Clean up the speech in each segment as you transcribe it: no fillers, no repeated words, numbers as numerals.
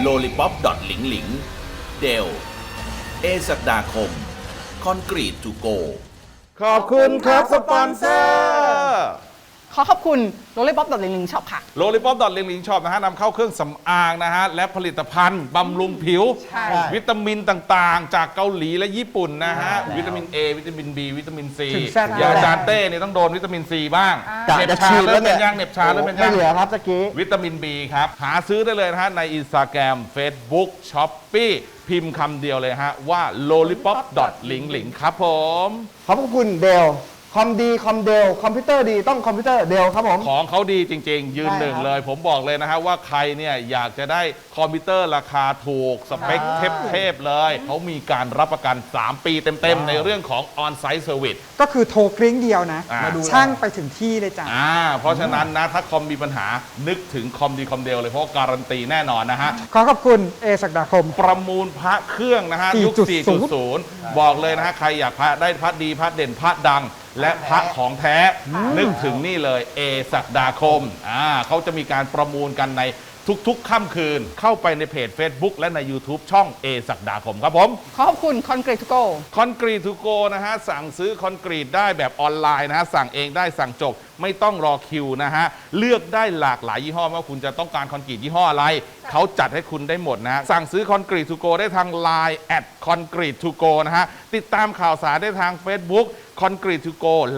lollipop หลิงหลิงเดลเอศักดาคมคอนกรีตทูโกขอบคุณครับสปอนเซอร์ขอบคุณโรลลี่ป๊อปลิงลิงช็อปค่ะโรลลี่ป๊อปลิงลิงช็อปนะฮะนำเข้าเครื่องสำอางนะฮะและผลิตภัณฑ์บำรุงผิววิตามินต่างๆจากเกาหลีและญี่ปุ่นนะฮะวิตามิน A วิตามิน B วิตามิน C อย่างอาจารย์เต้เนี่ยต้องโดนวิตามิน C บ้างเน็บชาเริ่มเป็นยังเน็บชาเริ่มเป็นยังไม่เหลือครับตะกี้วิตามิน B ครับหาซื้อได้เลยนะฮะใน Instagram Facebook Shopee พิมพ์คำเดียวเลยฮะว่า lollipop ลิงลิงครับผมขอบคุณเดลคอมดีคอมเดลคอมพิวเตอร์ดีต้องคอมพิวเตอร์เดลครับผมของเขาดีจริงๆยืนหนึ่งเลยผมบอกเลยนะฮะว่าใครเนี่ยอยากจะได้คอมพิวเตอร์ราคาถูกสเปคเทพๆเลยเขามีการรับประกัน 3 ปีเต็มๆในเรื่องของ On-Site Service ก็คือโทรกริ้งเดียวนะช่างไปถึงที่เลยจ้ะเพราะฉะนั้นนะถ้าคอมมีปัญหานึกถึงคอมดีคอมเดลเลยเพราะการันตีแน่นอนนะฮะขอบคุณเอศักดาคมประมูลพระเครื่องนะฮะยุค 4.0 บอกเลยนะฮะใครอยากพระได้พระดีพระเด่นพระดังและพระของแท้นึกถึงนี่เลยเอศักดาคมเขาจะมีการประมูลกันในทุกๆค่ำคืนเข้าไปในเพจ Facebook และใน YouTube ช่องเอศักดาคมครับผมขอบคุณคอนกรีตทูโกคอนกรีตทูโกนะฮะสั่งซื้อคอนกรีตได้แบบออนไลน์นะฮะสั่งเองได้สั่งจบไม่ต้องรอคิวนะฮะเลือกได้หลากหลายยี่ห้อว่าคุณจะต้องการคอนกรีตยี่ห้ออะไรเขาจัดให้คุณได้หมดนะฮะสั่งซื้อคอนกรีตทูโกได้ทาง Line @concrete2go นะฮะติดตามข่าวสารได้ทาง Facebook Concrete to go และ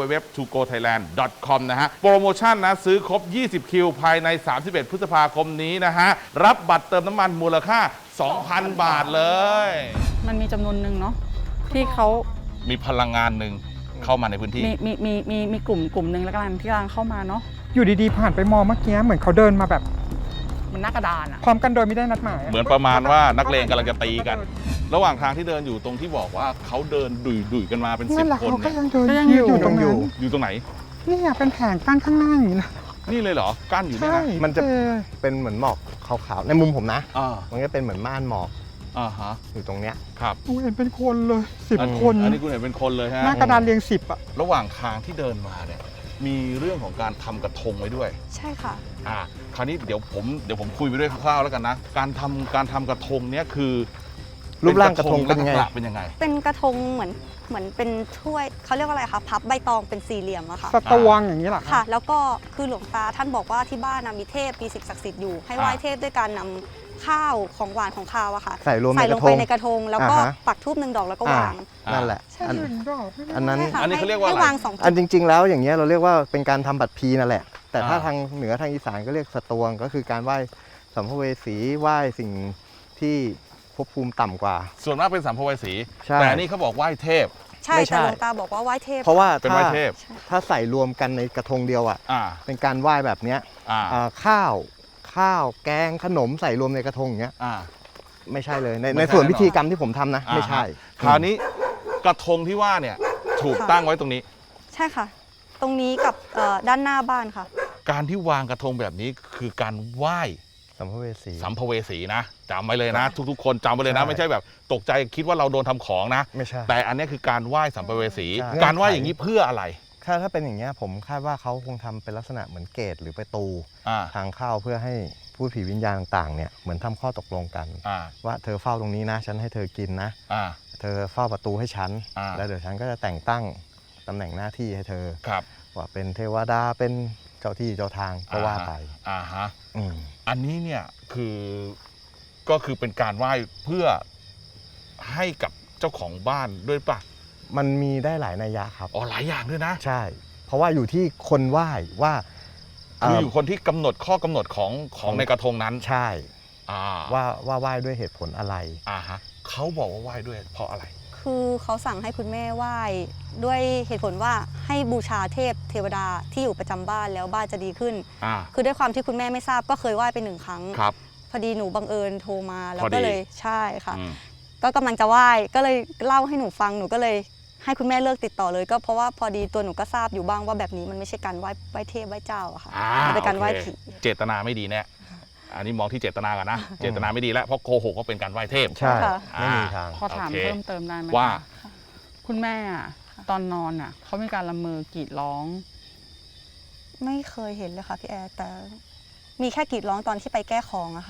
www.togothailand.com นะฮะโปรโมชั่นนะซื้อครบ20คิวภายใน31พฤษภาคมนี้นะฮะรับบัตรเติมน้ำมันมูลค่า 2,000 บาทเลยมันมีจำนวนหนึ่งเนาะที่เขามีพลังงานหนึ่งเข้ามาในพื้นที่มีกลุ่มหนึ่งแล้วกันที่กำลังเข้ามาเนาะอยู่ดีๆผ่านไปมองเมื่อกี้เหมือนเขาเดินมาแบบมันหน้ากระดานอะพร้อมกันโดยไม่ได้นัดหมายเหมือนประมาณว่านักเลงกำลังจะตีกันระหว่างทางที่เดินอยู่ตรงที่บอกว่าเขาเดินดุยกันมาเป็น10 คนเนี่ยก็ยังเดินอยู่ตรงนั้นอยู่ตรงไหนนี่เป็นแผงกั้นข้างหน้าอย่างนี้นะนี่เลยเหรอกั้นอยู่เนี่ยนะมันจะเป็นเหมือนหมอกขาวๆในมุมผมนะมันก็เป็นเหมือนม่านหมอกอยู่ตรงเนี้ยครับกูเห็นเป็นคนเลย10 คนอันนี้คุณเห็นเป็นคนเลยฮะหน้ากระดานเรียง10อะระหว่างทางที่เดินมาเนี่ยมีเรื่องของการทำกระทงไว้ด้วยใช่ค่ะคราวนี้เดี๋ยวผมคุยไปด้วยคร่าวๆแล้วกันนะการทำกระทงเนี่ยคือรูปร่างกระทงเป็นยังไงเป็นกระทงเหมือนเป็นถ้วยเขาเรียกว่าอะไรคะพับใบตองเป็นสี่เหลี่ยมอะค่ะสตวงอย่างนี้หรอค่ะแล้วก็คือหลวงตาท่านบอกว่าที่บ้านมีเทพมีสิ่งศักดิ์สิทธิ์อยู่ให้ไหว้เทพด้วยการนำข้าวของหวานของข้าวอะค่ะใส่ลงไปในกระทงแล้วก็ปักธูป1 ดอกแล้วก็วางนั่นแหละอันนั้นอันนี้เขาเรียกว่าอะไรอันจริงๆแล้วอย่างเงี้ยเราเรียกว่าเป็นการทำบัตรพีนั่นแหละแต่ถ้าทางเหนือทางอีสานก็เรียกสตวงก็คือการไหว้สัมภเวสีไหว้สิ่งที่ภพภูมิต่ำกว่าส่วนมากเป็นสัมภเวสีแต่นี่เขาบอกไหว้เทพใช่แต่หลวงตาบอกว่าไหว้เทพเพราะว่าเป็นไหว้เทพถ้าใส่รวมกันในกระทงเดียวเป็นการไหว้แบบเนี้ยข้าวแกงขนมใส่รวมในกระทงอย่างเงี้ยไม่ใช่เลยในส่วนพิธีกรรมที่ผมทำนะไม่ใช่คราวนี้กระทงที่ว่าเนี่ยถูกตั้งไว้ตรงนี้ใช่ค่ะตรงนี้กับด้านหน้าบ้านค่ะการที่วางกระทงแบบนี้คือการไหว้สัมภเวสีนะจำไว้เลยนะทุกๆคนจำไว้เลยนะไม่ใช่แบบตกใจคิดว่าเราโดนทำของนะไม่ใช่แต่อันนี้คือการไหว้สัมภเวสีการไหว้อย่างนี้เพื่ออะไรถ้าเป็นอย่างเงี้ยผมคาดว่าเขาคงทำเป็นลักษณะเหมือนเกตหรือประตูทางเข้าเพื่อให้ผู้ผีวิญญาณต่างๆเนี่ยเหมือนทำข้อตกลงกันว่าเธอเฝ้าตรงนี้นะฉันให้เธอกินนะเธอเฝ้าประตูให้ฉันแล้วเดี๋ยวฉันก็จะแต่งตั้งตำแหน่งหน้าที่ให้เธอว่าเป็นเทวดาเป็นเจ้าที่เจ้าทางก็ว่าไปอันนี้เนี่ยก็คือเป็นการไหว้เพื่อให้กับเจ้าของบ้านด้วยป่ะมันมีได้หลายนัยยะครับหลายอย่างด้วยนะใช่เพราะว่าอยู่ที่คนไหว้ว่าคืออยู่คนที่กำหนดข้อกำหนดของในกระทงนั้นใช่ว่าไหว้ด้วยเหตุผลอะไรเขาบอกว่าไหว้ด้วยเพราะอะไรคือเขาสั่งให้คุณแม่ไหว้ด้วยเหตุผลว่าให้บูชาเทพเทวดาที่อยู่ประจำบ้านแล้วบ้านจะดีขึ้นคือด้วยความที่คุณแม่ไม่ทราบก็เคยไหว้ไป1 ครั้งพอดีหนูบังเอิญโทรมาแล้วก็เลยใช่ค่ะก็กำลังจะไหว้ก็เลยเล่าให้หนูฟังหนูก็เลยให้คุณแม่เลิกติดต่อเลยก็เพราะว่าพอดีตัวหนูก็ทราบอยู่บ้างว่าแบบนี้มันไม่ใช่การไหว้เทพไหว้เจ้าอะค่ะมันเป็นการไหว้ผีเจตนาไม่ดีแน่อันนี้มองที่เจตนากันนะเจตนาไม่ดีแล้วเพราะโกหกก็เป็นการไหว้เทพใช่ไม่มีทางขอถามเพิ่มเติมได้ไหมว่าคุณแม่ตอนนอนเขามีการละเมอกรีดร้องไม่เคยเห็นเลยค่ะพี่แอร์แต่มีแค่กรีดร้องตอนที่ไปแก้ของอะค่ะ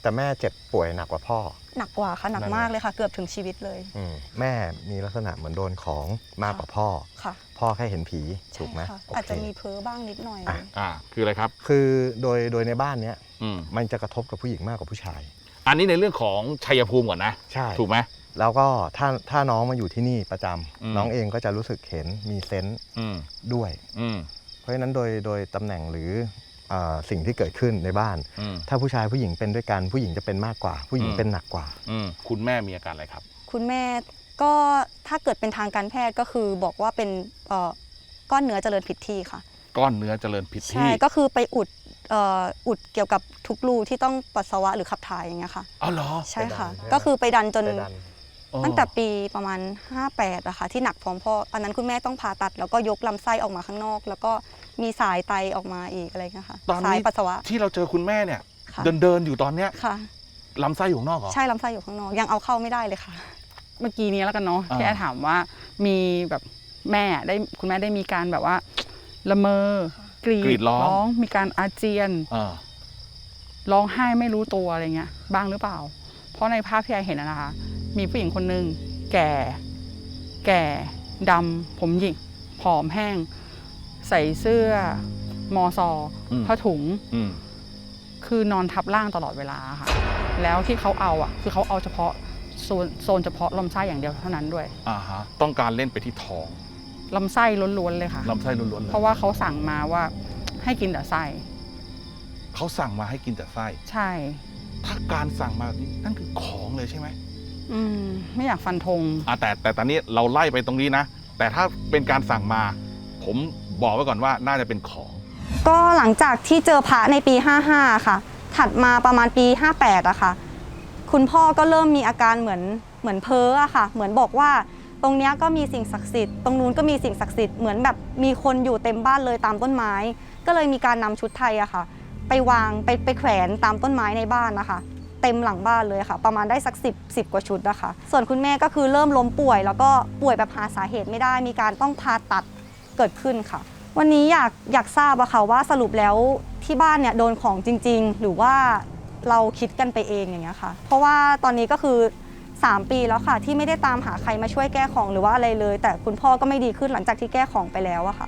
แต่แม่เจ็บป่วยหนักกว่าพ่อหนักกว่าค่ะหนักมากเลยค่ะ เกือบถึงชีวิตเลยแม่มีลักษณะเหมือนโดนของมากกว่าพ่อค่ะพ่อแค่เห็นผีถูกไหมค่ะโเคอาจจะมีเพ้อบ้างนิดหน่อยคืออะไรครับคือโดยในบ้านเนี้ยอืมมันจะกระทบกับผู้หญิงมากกว่าผู้ชายอันนี้ในเรื่องของชัยภูมิก่อนนะใช่ถูกไหมแล้วก็ถ้าน้องมาอยู่ที่นี่ประจำอืมน้องเองก็จะรู้สึกเห็นมีเซนส์อืมด้วยอืมเพราะฉะนั้นโดยตำแหน่งหรือสิ่งที่เกิดขึ้นในบ้านอืมถ้าผู้ชายผู้หญิงเป็นด้วยกันผู้หญิงจะเป็นมากกว่า ผู้หญิงอืมเป็นหนักกว่าคุณแม่มีอาการอะไรครับคุณแม่ก็ถ้าเกิดเป็นทางการแพทย์ก็คือบอกว่าเป็นก้อนเนื้อเจริญผิดที่ค่ะก้อนเนื้อเจริญผิดใช่ที่ก็คือไปอุดเกี่ยวกับทุกรูที่ต้องปัสสาวะหรือขับถ่ายอย่างเงี้ยค่ะอ๋อเหรอใช่ค่ะไปดันก็คือไปดันจนไปดันตั้งแต่ปีประมาณ 58อะค่ะที่หนักพร้อมพ่ออันนั้นคุณแม่ต้องผ่าตัดแล้วก็ยกลำไส้ออกมาข้างนอก แล้วก็มีสายไตออกมาอีกอะไรเงี้ยค่ะตอนสายนี้ปัสสาวะที่เราเจอคุณแม่เนี่ยค่ะเดินอยู่ตอนเนี้ยค่ะลำไส้อยู่ข้างนอกเหรอใช่ลำไส้อยู่ข้างนอกยังเอาเข้าไม่ได้เลยค่ะเมื่อกี้นี้แล้วกันเนาะอ่าที่แอร์ถามว่ามีแบบคุณแม่ได้มีการแบบว่าละเมอกรีดร้องมีการอาเจียนอ่าร้องไห้ไม่รู้ตัวอะไรเงี้ยบ้างหรือเปล่า เพราะในภาพที่แอร์เห็นนะคะ มีผู้หญิงคนหนึ่งแก่ดำผมหยิกผอมแห้ง ใส่เสื้อมอซอผ้าถุงอืมคือนอนทับร่างตลอดเวลาค่ะ แล้วที่เขาเอาคือเขาเอาเฉพาะโซนเฉพาะลำไส้อย่างเดียวเท่านั้นด้วยอ่าฮะต้องการเล่นไปที่ท้องลำไส้ล้วนๆเลยค่ะลำไส้ล้วนๆเลยเพราะว่าเขาสั่งมาว่าให้กินแต่ไส้เขาสั่งมาให้กินแต่ไส้ใช่ถ้าการสั่งมานี่นั่นคือของเลยใช่ไหมไม่อยากฟันธงแต่ตอนนี้เราไล่ไปตรงนี้นะ แต่ถ้าเป็นการสั่งมา ผมบอกไว้ก่อนว่าน่าจะเป็นของก็หลังจากที่เจอพระในปี 55 ค่ะ ถัดมาประมาณปี 58อะค่ะ คุณพ่อก็เริ่มมีอาการเหมือนเพ้ออะค่ะ เหมือนบอกว่าตรงเนี้ยก็มีสิ่งศักดิ์สิทธิ์ ตรงนู้นก็มีสิ่งศักดิ์สิทธิ์ เหมือนแบบมีคนอยู่เต็มบ้านเลยตามต้นไม้ ก็เลยมีการนำชุดไทยอะค่ะ ไปวางไปแขวนตามต้นไม้ในบ้านนะคะ เต็มหลังบ้านเลยค่ะ ประมาณได้สัก10 กว่าชุดนะคะ ส่วนคุณแม่ก็คือเริ่มล้มป่วย แล้วก็ป่วยแบบหาสาเหตุไม่ได้ มีการต้องผ่าตัดเกิดขึ้นค่ะ วันนี้อยากทราบอะค่ะว่าสรุปแล้วที่บ้านเนี่ยโดนของจริง ๆ หรือว่าเราคิดกันไปเองอย่างเงี้ยค่ะ เพราะว่าตอนนี้ก็คือ3 ปีแล้วค่ะ ที่ไม่ได้ตามหาใครมาช่วยแก้ของหรือว่าอะไรเลย แต่คุณพ่อก็ไม่ดีขึ้นหลังจากที่แก้ของไปแล้วอะค่ะ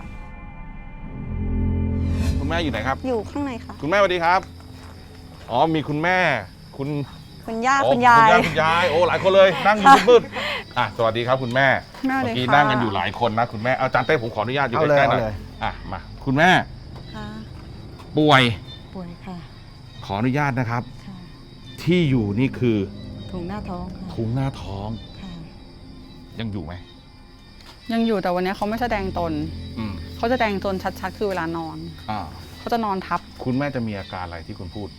คุณแม่อยู่ไหนครับอยู่ข้างในค่ะคุณแม่สวัสดีครับ อ๋อมีคุณแม่คุณย่าโอ้คุณยายคุณยายโอ้หลายคนเลยนั่งอยู่มืดๆสวัสดีครับคุณแม่แม่เลยเมื่อกี้ค่ะนั่งกันอยู่หลายคนนะคุณแม่เอาจานเต้ผมขออนุญาตอยู่ใกล้ๆหน่อยมาคุณแม่ค่ะป่วยป่วยค่ะขออนุญาตนะครับค่ะที่อยู่นี่คือถุงหน้าท้องค่ะถุงหน้าท้องค่ะยังอยู่ไหมยังอยู่แต่วันนี้เขาไม่แสดงตนอืมเขาจะแสดงตนชัดๆคือเวลานอนอ่าเขาจะนอนทับคุณแม่จะมีอาการอะไรที่คุณพูด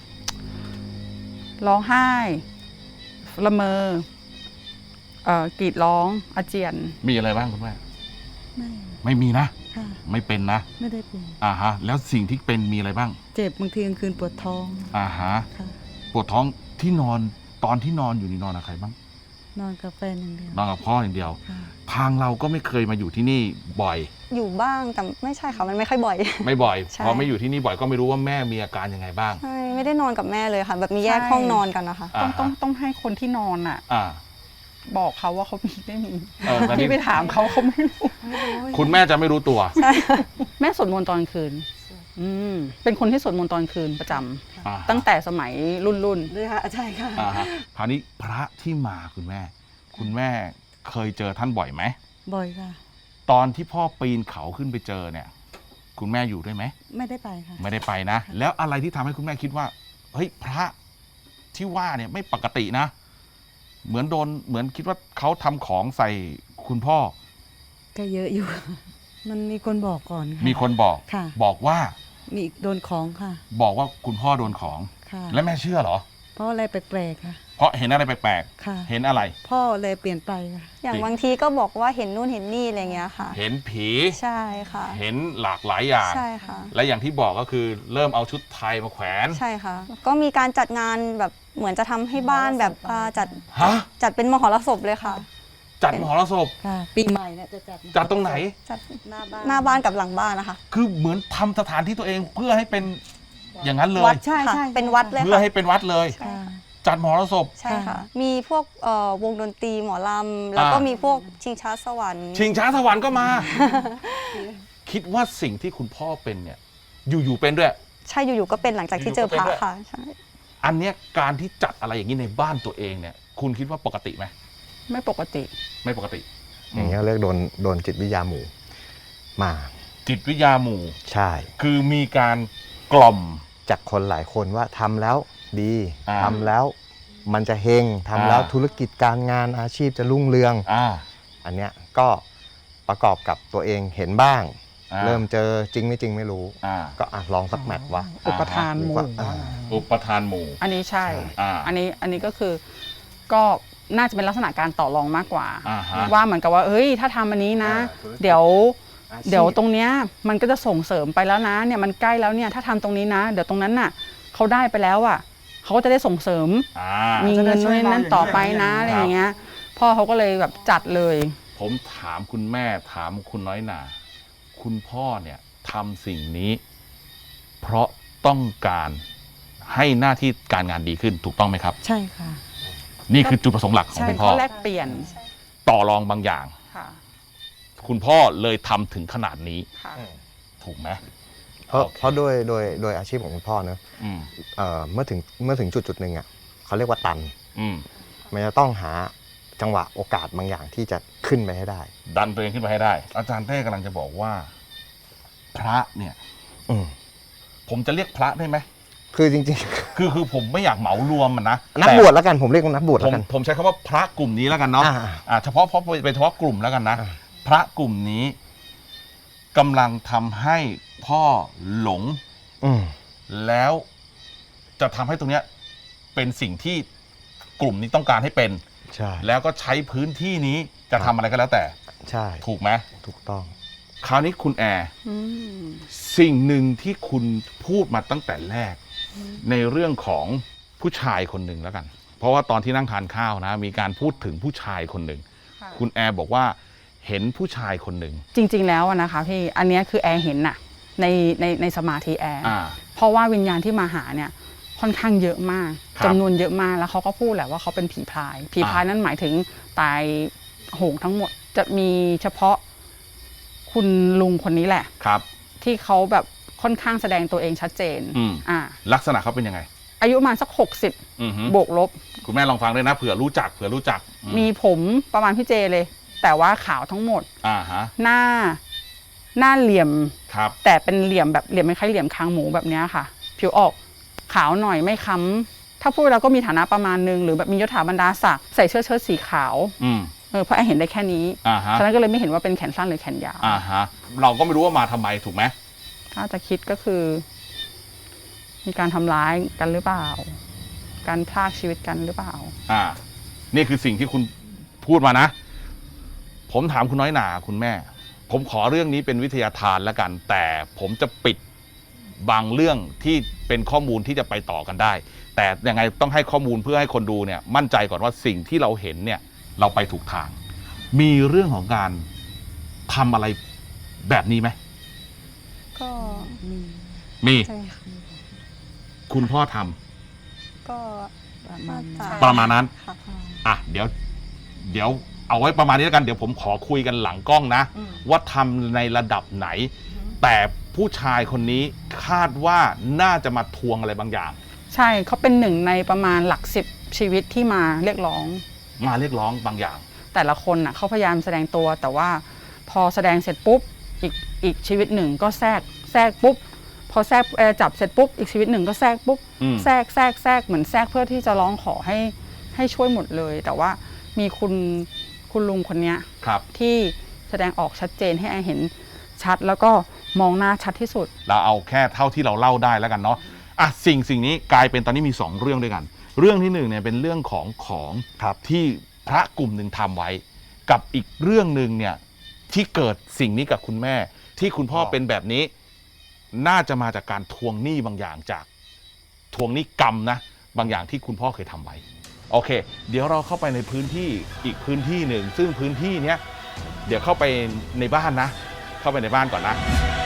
ร้องไห้ละเมอกรีดร้องอาเจียนมีอะไรบ้างคุณแม่ไม่ไม่มีนะค่ะไม่เป็นนะไม่ได้เป็นฮะแล้วสิ่งที่เป็นมีอะไรบ้างเจ็บบางทีกลางคืนปวดท้องฮะค่ะปวดท้องที่นอนตอนที่นอนอยู่นี่นอนกับใครบ้างนอนกับแฟนอย่างเดียวนอนกับพ่ออย่างเดียวค่ะทางเราก็ไม่เคยมาอยู่ที่นี่บ่อยอยู่บ้างแต่ไม่ใช่ค่ะมันไม่ค่อยบ่อยไม่บ่อยใช่พอไม่อยู่ที่นี่บ่อยก็ไม่รู้ว่าแม่มีอาการยังไงบ้างใช่ไม่ได้นอนกับแม่เลยค่ะ แบบมีแยกใช่ห้องนอนกันนะคะต้องให้คนที่นอนอ่ะอ่าบอกเขาว่าเขามีไม่มีตอนนี้ที่ไปถามเขาเขาไม่รู้คุณแม่จะไม่รู้ตัวแม่สวดมนต์ตอนคืนเป็นคนที่สวดมนต์ตอนคืนประจำอ่าตั้งแต่สมัยรุ่นด้วยค่ะใช่ค่ะฮะคราวนี้พระที่มาคุณแม่เคยเจอท่านบ่อยไหมบ่อยค่ะตอนที่พ่อปีนเขาขึ้นไปเจอเนี่ย คุณแม่อยู่ด้วยไหมไม่ได้ไปค่ะไม่ได้ไปนะ แล้วอะไรที่ทำให้คุณแม่คิดว่าเฮ้ยพระที่ว่าเนี่ยไม่ปกตินะ เหมือนคิดว่าเขาทำของใส่คุณพ่อก็เยอะอยู่ มันมีคนบอกก่อนค่ะมีคนบอกค่ะบอกว่ามีโดนของค่ะบอกว่าคุณพ่อโดนของค่ะแล้วแม่เชื่อเหรอเพราะอะไรแปลกๆค่ะเพราะเห็นอะไรแปลกค่ะๆเห็นอะไรพ่อเลยเปลี่ยนไปค่ะอย่างบางทีก็บอกว่าเห็นนู่นเห็นนี่อะไรเงี้ยค่ะเห็นผีใช่ค่ะเห็นหลากหลายอย่างใช่ค่ะและอย่างที่บอกก็คือเริ่มเอาชุดไทยมาแขวนใช่ค่ะ ก็มีการจัดงานแบบเหมือนจะทำให้บ้านแบบฮะจัดเป็นมหรสพเลยค่ะจัดมหรสพค่ะ ปีใหม่เนี่ยจะจัดจัดตรงไหนจัดหน้าบ้านหน้าบ้านกับหลังบ้านนะคะคือเหมือนทำสถานที่ตัวเองเพื่อให้เป็นอย่างนั้นเลยวัดใช่ค่ะใช่เป็นวัดเลยเพื่อค่ะให้เป็นวัดเลยค่ะจัดมหรสพใช่ค่ะ มีพวกวงดนตรีหมอลำแล้วก็มีพวกชิงช้าสวรรค์ชิงช้าสวรรค์ก็มา คิดว่าสิ่งที่คุณพ่อเป็นเนี่ยอยู่ๆเป็นด้วยใช่อยู่ๆก็เป็นหลังจากที่เจอพระค่ะใช่อันเนี้ยการที่จัดอะไรอย่างนี้ในบ้านตัวเองเนี่ย คุณคิดว่าปกติไหมไม่ปกติไม่ปกติอย่างเงี้ยเรียกโดนจิตวิทยาหมู่มาจิตวิทยาหมู่ใช่คือมีการกล่อมจากคนหลายคนว่าทำแล้วดีอ่าทำแล้วมันจะเฮงทำแล้วอ่าธุรกิจการงานอาชีพจะรุ่งเรือง อันเนี้ยก็ประกอบกับตัวเองเห็นบ้าง เริ่มเจอจริงไม่จริงไม่รู้ ก็ลองสักแมตช์วะอุปทานหมู่อุปทานหมู่อันนี้ใช่อ่าอันนี้ก็คือก็น่าจะเป็นลักษณะการต่อรองมากกว่าอ่าฮะว่าเหมือนกับว่าเฮ้ยถ้าทำอันนี้นะ เดี๋ยวตรงเนี้ยมันก็จะส่งเสริมไปแล้วนะเนี่ยมันใกล้แล้วเนี่ยถ้าทำตรงนี้นะ เดี๋ยวตรงนั้นน่ะเขาได้ไปแล้วอ่ะเขาก็จะได้ส่งเสริม มีเงินนู่นนนั่นต่อไปนะอะไรอย่างเงี้ยพ่อเขาก็เลยแบบจัดเลยผมถามคุณแม่ถามคุณน้อยหนาคุณพ่อเนี่ยทำสิ่งนี้ เพราะต้องการให้หน้าที่การงานดีขึ้นถูกต้องไหมครับใช่ค่ะนี่คือจุดประสงค์หลักของใช่คุณพ่อเขาแลกเปลี่ยนต่อรองบางอย่างค่ะคุณพ่อเลยทำถึงขนาดนี้ค่ะถูกไหมเพราะโดยอาชีพของคุณพ่อเนอะอืมเมื่อถึงจุดหนึ่งอ่ะเขาเรียกว่าตันอืมมันจะต้องหาจังหวะโอกาสบางอย่างที่จะขึ้นไปให้ได้ดันตัวเองขึ้นไปให้ได้ อาจารย์เต้กำลังจะบอกว่า พระเนี่ยอืมผมจะเรียกพระได้ไหมคือจริงคือผมไม่อยากเหมารวมมันนะๆ นักบวชแล้วกันผมเรียกว่านักบวชผแล้มวกันผมใช้คำว่าพระกลุ่มนี้แล้วกันเนาะ เฉพาะเป็นเฉพาะกลุ่มแล้วกันนะอ่าพระกลุ่มนี้กำลังทำให้พ่อหลงอืมแล้วจะทำให้ตรงเนี้ยเป็นสิ่งที่กลุ่มนี้ต้องการให้เป็นใช่แล้วก็ใช้พื้นที่นี้จะทำอะไรก็แล้วแต่ใช่ถูกไหมถูกต้องคราวนี้คุณแอร์อืมสิ่งหนึ่งที่คุณพูดมาตั้งแต่แรก ในเรื่องของผู้ชายคนหนึ่งแล้วกัน เพราะว่าตอนที่นั่งทานข้าวนะ มีการพูดถึงผู้ชายคนหนึ่งค่ะคุณแอร์บอกว่าเห็นผู้ชายคนหนึ่งจริง ๆ แล้วอะนะคะพี่อันเนี้ยคือแอร์เห็นน่ะในสมาธิแอร์อ่าเพราะว่าวิญญาณที่มาหาเนี่ยค่อนข้างเยอะมากครับจำนวนเยอะมากแล้วเขาก็พูดแหละว่าเขาเป็นผีพราย ผีพรายนั่นหมายถึงตายโหงทั้งหมด จะมีเฉพาะคุณลุงคนนี้แหละครับที่เขาแบบค่อนข้างแสดงตัวเองชัดเจนอืม ลักษณะเขาเป็นยังไงอายุประมาณสักอือฮึ 60 บวกลบคุณแม่ลองฟังด้วยนะเผื่อรู้จักอืมีผมประมาณพี่เจเลย แต่ว่าขาวทั้งหมดอ่าฮะหน้าเหลี่ยมครับแต่เป็นเหลี่ยมแบบเหลี่ยมไม่คล้ายเหลี่ยมคางหมูแบบเนี้ยค่ะ ผิวออกขาวหน่อยไม่ค้ำถ้าพูดแล้วก็มีฐานะประมาณนึงหรือแบบมียศถาบรรดาศักดิ์ใส่เชิ้ตสีขาวอืมเพราะแอนเห็นได้แค่นี้อ่าฮะฉะนั้นก็เลยไม่เห็นว่าเป็นแขนสั้นหรือแขนยาวอ่าฮะ เราก็ไม่รู้ว่ามาทำไมถูกไหมถ้าจะคิดก็คือ มีการทำร้ายกันหรือเปล่า การพรากชีวิตกันหรือเปล่านี่คือสิ่งที่คุณพูดมานะ ผมถามคุณน้อยหนาคุณแม่ ผมขอเรื่องนี้เป็นวิทยาทานแล้วกัน แต่ผมจะปิดบางเรื่องที่เป็นข้อมูลที่จะไปต่อกันได้ แต่ยังไงต้องให้ข้อมูลเพื่อให้คนดูเนี่ย มั่นใจก่อนว่าสิ่งที่เราเห็นเนี่ย เราไปถูกทาง มีเรื่องของการทำอะไรแบบนี้ไหมก็มีใช่ค่ะคุณพ่อทำก็น่าจะประมาณนั้นค่ะอ่ะเดี๋ยวเอาไว้ประมาณนี้แล้วกันเดี๋ยวผมขอคุยกันหลังกล้องนะ ว่าทำในระดับไหน แต่ผู้ชายคนนี้คาดว่าน่าจะมาทวงอะไรบางอย่างใช่เขาเป็นหนึ่งในประมาณหลัก10ชีวิตที่มาเรียกร้องมาเรียกร้องบางอย่างแต่ละคนน่ะเขาพยายามแสดงตัวแต่ว่าพอแสดงเสร็จปุ๊บอีกชีวิตหนึ่งก็แทรกปุ๊บพอแทรกจับเสร็จปุ๊บอีกชีวิตหนึ่งก็แทรกปุ๊บอืมแทรกเหมือนแทรกเพื่อที่จะร้องขอให้ช่วยหมดเลย แต่ว่ามีคุณลุงคนเนี้ยครับที่แสดงออกชัดเจนให้แอนเห็นชัดแล้วก็มองหน้าชัดที่สุดเราเอาแค่เท่าที่เราเล่าได้แล้วกันเนาะอ่ะสิ่งนี้กลายเป็นตอนนี้มี2เรื่องด้วยกัน เรื่องที่1เนี่ยเป็นเรื่องของที่พระกลุ่มหนึ่งทำไว้ กับอีกเรื่องหนึ่งเนี่ยที่เกิดสิ่งนี้กับคุณแม่ ที่คุณพ่อเป็นแบบนี้ น่าจะมาจากการทวงหนี้บางอย่างจากทวงหนี้กรรมนะบางอย่างที่คุณพ่อเคยทำไว้โอเค เดี๋ยวเราเข้าไปในพื้นที่อีกพื้นที่หนึ่งซึ่งพื้นที่เนี้ยเดี๋ยวเข้าไปในบ้านนะ เข้าไปในบ้านก่อนนะ